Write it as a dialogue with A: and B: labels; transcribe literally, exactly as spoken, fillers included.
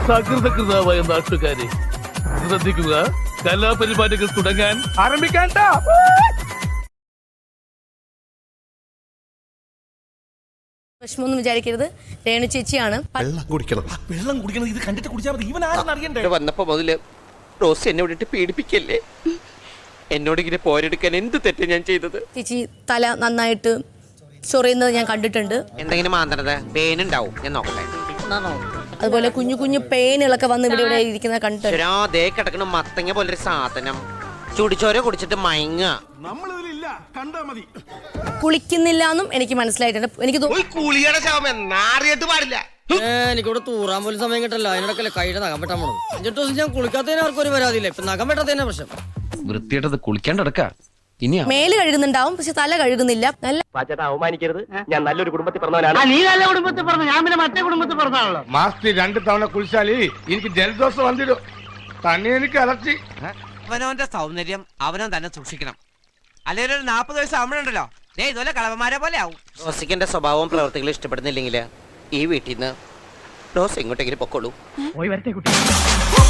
A: സകൃതകൃതാവായ നാട്ടുകാരെ ശ്രദ്ധിക്കുക, കലാപരിപാടികൾ തുടങ്ങാൻ ആരംഭിക്കാൻ.
B: വിഷമൊന്നും വിചാരിക്കരുത്, രേണു ചേച്ചിയാണ്.
C: വെള്ളം കുടിക്കണം.
A: വെള്ളം കുടിക്കണം, ഇത് കണ്ടിട്ട് കുടിച്ചാൽ മതി. ഇവൻ ആരെന്ന് അറിയണ്ടേ?
D: വന്നപ്പോ മുതല് റോസ് എന്നെ വിട്ടിട്ട് പീഡിപ്പിക്കല്ലേ. എന്നോട് ഇങ്ങനെ പോരെടുക്കാൻ എന്ത് തെറ്റ് ഞാൻ ചെയ്തത്?
B: ചേച്ചി തല നന്നായിട്ട് ചൊറിയുന്നത് ഞാൻ കണ്ടിട്ടുണ്ട്.
D: എന്തെങ്കിലും മാന്തണത് പേനുണ്ടാവും, ഞാൻ നോക്കട്ടെ.
B: അതുപോലെ കുഞ്ഞു കുഞ്ഞു പേനുകളൊക്കെ വന്ന് ഇവിടെ ഇവിടെ ഇരിക്കുന്ന കണ്ടിട്ടുണ്ട്.
D: ദേ കിടക്കണ മത്തങ്ങ പോലൊരു സാധനം ചുടിച്ചോര കുടിച്ചിട്ട് മയങ്ങ.
B: കുളിക്കുന്നില്ല എന്നും എനിക്ക് മനസ്സിലായിട്ടുണ്ട്. എനിക്ക്
D: പാടില്ല.
E: എനിക്കിവിടെ തൂറാൻ പോലും സമയം കിട്ടല്ലോ. അതിനിടക്കല്ലേ കൈയുടെ നഖം വെട്ടാൻ പോണത്. അഞ്ചെട്ട് ദിവസം ഞാൻ കുളിക്കാത്തതിന് ആർക്കും ഒരു പരാതിയില്ല. ഇപ്പൊ നഖം വെട്ടാത്തതിന്റെ പ്രശ്നം.
F: വൃത്തിയായിട്ടത് കുളിക്കാണ്ട് കിടക്കാ. ഇനിയാ
B: മേല് കഴുകുന്നുണ്ടാവും, പക്ഷെ തല കഴുകുന്നില്ല. നല്ല
D: അവമാനിക്കരുത്, ഞാൻ നല്ലൊരു കുടുംബത്തിൽ പറഞ്ഞവനാണ്.
E: നീ നല്ല കുടുംബത്തിൽ പറഞ്ഞു, ഞാൻ പിന്നെ മറ്റേ കുടുംബത്തിൽ പറഞ്ഞാണല്ലോ.
G: മാസത്തിൽ രണ്ട് തവണ കുളിച്ചാല് എനിക്ക് ജലദോഷം വന്നിടും. തന്നെ എനിക്ക് അലർച്ചി.
D: അവനവന്റെ സൗന്ദര്യം അവനവൻ തന്നെ സൂക്ഷിക്കണം. അല്ലെങ്കിൽ ഒരു നാപ്പത് വയസ്സ് ആവുമ്പോഴുണ്ടല്ലോ ദേ ഇതുപോലെ കളവന്മാരെ പോലെ ആവും. റോസിക്കന്റെ സ്വഭാവവും പ്രവർത്തികളും ഇഷ്ടപ്പെടുന്നില്ലെങ്കിൽ ഈ വീട്ടിൽ നിന്ന് റോസ് എങ്ങോട്ടെങ്കിലും പൊക്കോളൂ.
A: പോയി വരട്ടെ കുട്ടി.